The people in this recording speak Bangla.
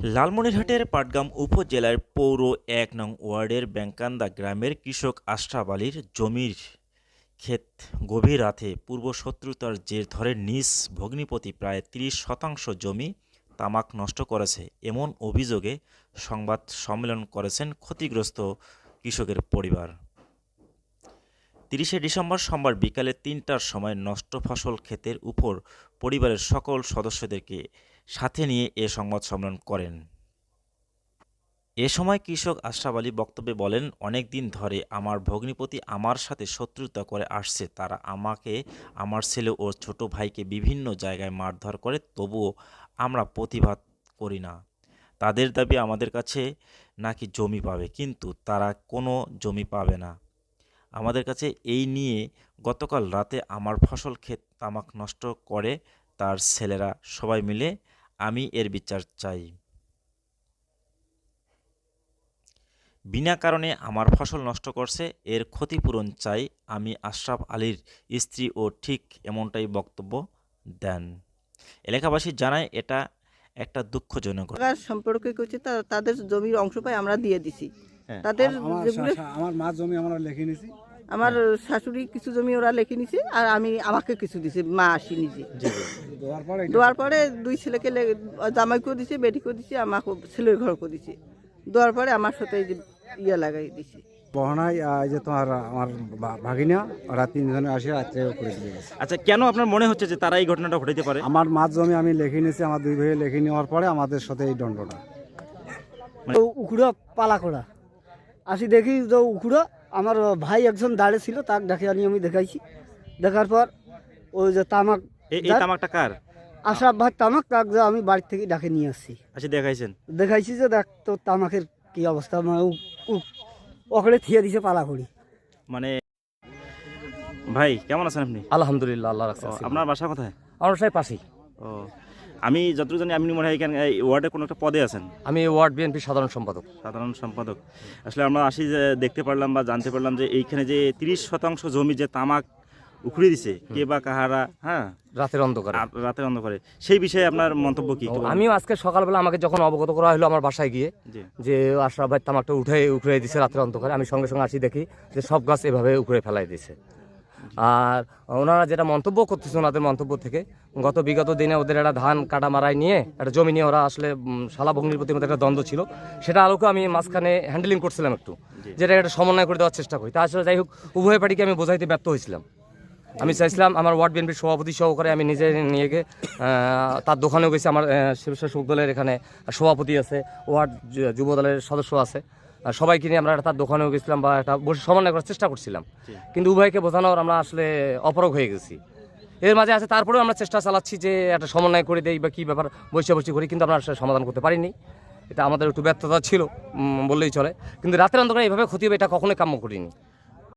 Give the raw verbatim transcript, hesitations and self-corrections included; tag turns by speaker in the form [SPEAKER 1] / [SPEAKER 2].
[SPEAKER 1] লালমনিরহাটের পাটগ্রাম উপজেলার পৌর এক নং ওয়ার্ডের ব্যাংকান্দা গ্রামের কৃষক আশরাফ আলীর জমির ক্ষেত গভীর রাতে পূর্বশত্রুতার জের ধরে নিজ ভগ্নিপতি প্রায় ত্রিশ শতাংশ জমি তামাক নষ্ট করেছে এমন অভিযোগে সংবাদ সম্মেলন করেছেন ক্ষতিগ্রস্ত কৃষকের পরিবার। তিরিশে ডিসেম্বর সোমবার বিকালে তিনটার সময় নষ্ট ফসল ক্ষেতের উপর পরিবারের সকল সদস্যদেরকে সাথে নিয়ে এ সংবাদ সম্মেলন করেন। এ সময় কৃষক আশরাফ আলী বক্তব্যে বলেন, অনেক দিন ধরে আমার ভগ্নিপতি আমার সাথে শত্রুতা করে আসছে। তারা আমাকে, আমার ছেলে ও ছোট ভাইকে বিভিন্ন জায়গায় মারধর করে, তবুও আমরা প্রতিবাদ করি না। তাদের দাবি আমাদের কাছে নাকি জমি পাবে, কিন্তু তারা কোনো জমি পাবে না আমাদের কাছে। এই নিয়ে গতকাল রাতে আমার ফসল ক্ষেত তামাক নষ্ট করে তার ছেলেরা সবাই মিলে। আমি এর বিচার চাই। বিনা কারণে আমার ফসল নষ্ট করছে, এর ক্ষতিপূরণ চাই। আমি আশরাফ আলীর স্ত্রী ও ঠিক এমনটাই বক্তব্য দেন। এলাকাবাসী জানায় এটা একটা দুঃখজনক
[SPEAKER 2] সম্পর্কে করছে, তাদের জমির অংশ পাই আমরা দিয়ে দিছি।
[SPEAKER 1] হ্যাঁ।
[SPEAKER 2] তাদের
[SPEAKER 3] আমার
[SPEAKER 2] যেগুলো
[SPEAKER 3] শা- আমার মা জমি আমরা লিখে নিছি,
[SPEAKER 2] আমার শাশুড়ি কিছু জমি ওরা লিখে নিছে, আর আমি আমাকে কিছু দিছে, মা আসি নিজে
[SPEAKER 3] দেওয়ার পরে
[SPEAKER 2] দেওয়ার পরে দুই ছেলেকে লে- জামাইকেও দিছে, বেটিকেও দিছে, আমাকে ছেলের ঘরকেও দিছে। দেওয়ার পরে আমার সাথে এই যে ইয়ে লাগাই দিছে।
[SPEAKER 3] বহনায় আহ, এই যে তোমার আমার ভা- ভাগিনা ওরা তিনজনে আসে রাত্রে করে দিয়ে গেছে।
[SPEAKER 1] আচ্ছা, কেন আপনার মনে হচ্ছে যে তারা এই ঘটনাটা ঘটাইতে পারে?
[SPEAKER 3] আমার মাছ জমি আমি লিখে নিয়েছি, আমার দুই ভাই লিখে নেওয়ার পরে আমাদের সাথে এই দণ্ডটা।
[SPEAKER 4] উখুড়ো পালা করা আসি দেখি যে উখুড়ো আমার ভাই একজন দাঁড়িয়ে ছিল, তাক দেখে আনি আমি দেখাইছি। দেখার পর ওই যে তামাক
[SPEAKER 1] এই- এই তামাকটা কার?
[SPEAKER 4] আশরাফ ভাই তামাক, তাক যে আমি বাড়ি থেকে ডাকে নিয়ে আসছি।
[SPEAKER 1] আচ্ছা, দেখাইছেন?
[SPEAKER 4] দেখাইছি যে দেখ তো তামাকের কি অবস্থা, মানে ওখানে থিয়ে দিছে পালা করি।
[SPEAKER 1] মানে ভাই কেমন আছেন আপনি?
[SPEAKER 5] আলহামদুলিল্লাহ, আল্লাহ রাখছে।
[SPEAKER 1] ও, আপনার বাসা কোথায়?
[SPEAKER 5] আমার সাহেব পাশেই।
[SPEAKER 1] ও, আমি যতটুকু জানি আপনি মনে হয় এখানে এই ওয়ার্ডের কোনো একটা পদে আছেন,
[SPEAKER 5] আমি ওয়ার্ড বিএনপি সাধারণ সম্পাদক।
[SPEAKER 1] সাধারণ সম্পাদক। আসলে আমরা আসি যে দেখতে পারলাম বা জানতে পারলাম যে এইখানে যে তিরিশ শতাংশ জমি যে তামাক উখড়ে দিছে কে বা কাহারা, হ্যাঁ,
[SPEAKER 5] রাতের অন্ধকারে।
[SPEAKER 1] আর রাতের অন্ধকারে, সেই বিষয়ে আপনার মন্তব্য কি?
[SPEAKER 5] ও, আমিও আজকে সকালবেলা আমাকে যখন অবগত করা হলো আমার বাসায় গিয়ে
[SPEAKER 1] জি।
[SPEAKER 5] যে আশরাফ ভাই তামাকটা উঠে উখড়ে দিছে রাতের অন্ধকারে, আমি সঙ্গে সঙ্গে আসি দেখি যে সব গাছ এভাবে উখড়ে ফেলাই দিছে। আর ওনারা যেটা মন্তব্য করতেছে, ওনাদের মন্তব্য থেকে গত বিগত দিনে ওদের একটা ধান কাটা মারাই নিয়ে একটা জমি নিয়ে ওরা আসলে উম, শালা ভগ্নির প্রতি মধ্যে একটা দ্বন্দ্ব ছিল, সেটা আলোকে আমি মাঝখানে হ্যান্ডেলিং করছিলাম একটু, যেটা একটা সমন্বয় করে দেওয়ার চেষ্টা করি। তা আসলে যাই হোক, উভয় পার্টিকে আমি বোঝাইতে ব্যর্থ হয়েছিলাম। আমি চাইছিলাম আমার ওয়ার্ড বিএনপির সভাপতি সহকারে আমি নিজে নিয়ে গিয়ে আহ, তার দোকানেও গেছি। আমার শিবসা শোক দলের এখানে সভাপতি আছে, ওয়ার্ড যু- যুব দলের সদস্য আছে, আর সবাইকে নিয়ে আমরা তার দোকানেও গেছিলাম বা একটা বসে সমন্বয় করার চেষ্টা করছিলাম। কিন্তু উভয়কে বোঝানোর আমরা আসলে অপরগ হয়ে গেছি। এর মাঝে আছে তারপরেও আমরা চেষ্টা চালাচ্ছি যে একটা সমন্বয় করে দেই বা কী ব্যাপার, বসে বসে করি, কিন্তু আমরা আসলে সমাধান করতে পারিনি। এটা আমাদের একটু ব্যর্থতা ছিল উম, বললেই চলে। কিন্তু রাতের অন্ধকারে এইভাবে ক্ষতি হবে এটা কখনোই কাম্য করিনি।